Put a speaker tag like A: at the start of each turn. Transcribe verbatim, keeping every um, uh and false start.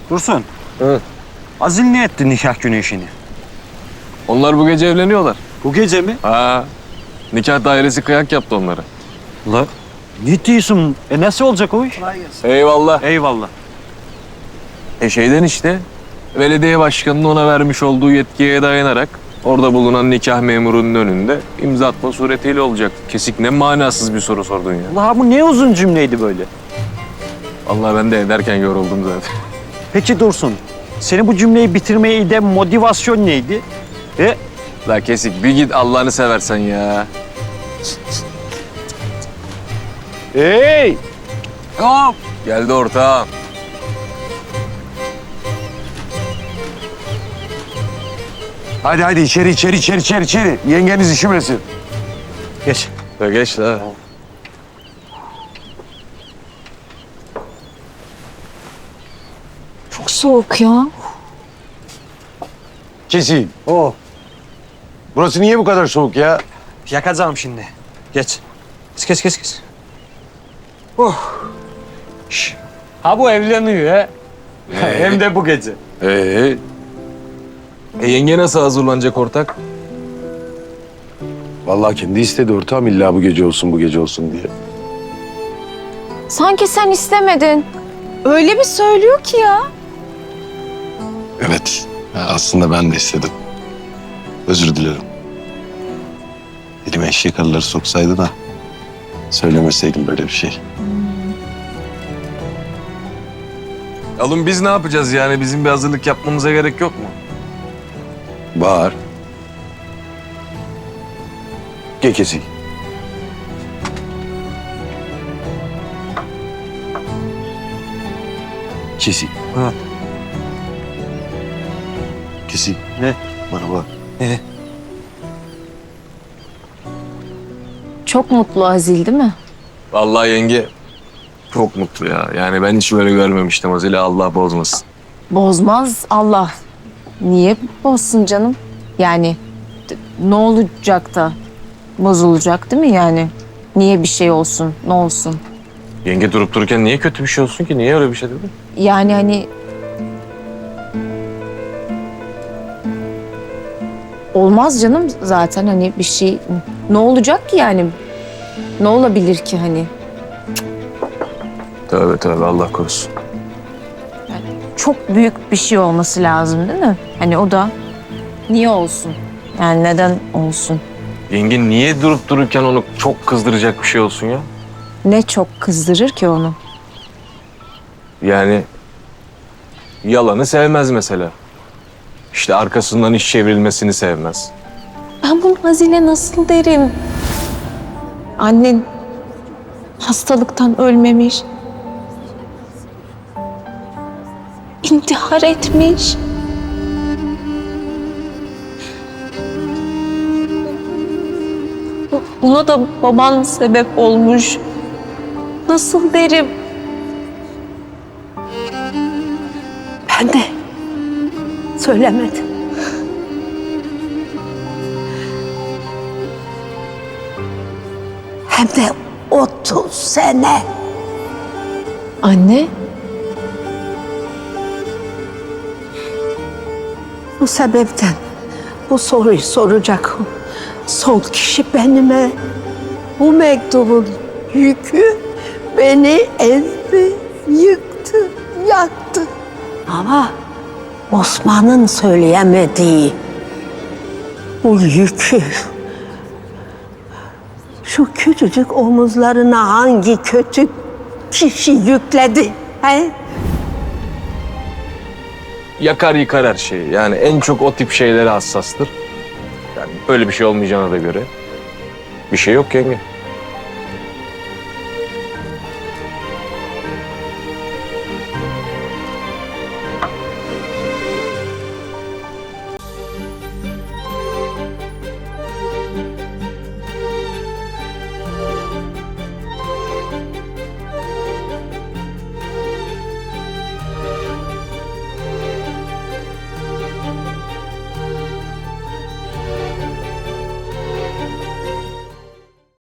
A: Dursun.
B: Hı.
A: Azil ne etti nikah günü işini?
B: Onlar bu gece evleniyorlar.
A: Bu gece mi?
B: Ha. Nikah dairesi kıyak yaptı onlara.
A: La ne diyorsun? E nasıl olacak o iş?
B: Eyvallah.
A: Eyvallah.
B: E şeyden işte. Belediye başkanının ona vermiş olduğu yetkiye dayanarak orada bulunan nikah memurunun önünde imza atma suretiyle olacak. Kesik ne manasız bir soru sordun ya.
A: Allah bu ne uzun cümleydi böyle.
B: Vallahi ben de ederken yoruldum zaten.
A: Peki Dursun, seni bu cümleyi bitirmeye iden motivasyon neydi? E
B: La Kesik bir git Allah'ını seversen ya.
A: Hey!
B: Hop! Geldi ortağım.
C: Hadi hadi içeri içeri içeri içeri içeri. Yengeniz üşümesin.
A: Geç.
B: Ya geç la.
D: Çok soğuk ya.
C: Kesin.
A: Oh.
C: Burası niye bu kadar soğuk ya?
A: Yakacağım şimdi. Geç. Kes kes kes kes. Oh. Şş. Ha bu evleniyor he. Hem de bu gece.
B: Ee, e yenge nasıl hazırlanacak ortak?
C: Vallahi kendi istedi ortağım illa bu gece olsun bu gece olsun diye.
D: Sanki sen istemedin. Öyle bir söylüyor ki ya.
C: Evet. Aslında ben de istedim. Özür dilerim. Elime eşek arıları soksaydı da söylemeseydim böyle bir şey.
B: Oğlum biz ne yapacağız yani? Bizim bir hazırlık yapmamıza gerek yok mu?
C: Bağır. Gel Kesik. Kesik.
A: Ha.
C: Kesik.
A: Ne?
C: Bana bak.
A: Ne?
D: Çok mutlu Azil değil mi?
B: Vallahi yenge çok mutlu ya. Yani ben hiç böyle görmemiştim Azile. Allah bozmasın.
D: Bozmaz Allah. Niye bozsun canım? Yani d- ne olacak da bozulacak değil mi yani? Niye bir şey olsun, ne olsun?
B: Yenge durup dururken niye kötü bir şey olsun ki? Niye öyle bir şey dedin?
D: Yani hani... Olmaz canım zaten hani bir şey... Ne olacak ki yani? Ne olabilir ki hani?
B: Tövbe tövbe Allah korusun.
D: Çok büyük bir şey olması lazım değil mi? Hani o da niye olsun? Yani neden olsun?
B: Yenge niye durup dururken onu çok kızdıracak bir şey olsun ya?
D: Ne çok kızdırır ki onu?
B: Yani yalanı sevmez mesela. İşte arkasından iş çevrilmesini sevmez.
D: Ben bunu Azile nasıl derim? Annen hastalıktan ölmemiş. İntihar etmiş. Buna da baban sebep olmuş. Nasıl derim?
E: Ben de söylemedim. Hem de otuz sene.
D: Anne,
E: Bu sebepten bu soruyu soracak son kişi benime. Bu mektubun yükü beni ezdi, yıktı, yaktı. Ama Osman'ın söyleyemediği bu yükü şu küçücük omuzlarına hangi kötü kişi yükledi? He?
B: Yakar yıkar her şeyi. Yani en çok o tip şeylere hassastır. Yani böyle bir şey olmayacağına da göre bir şey yok yenge.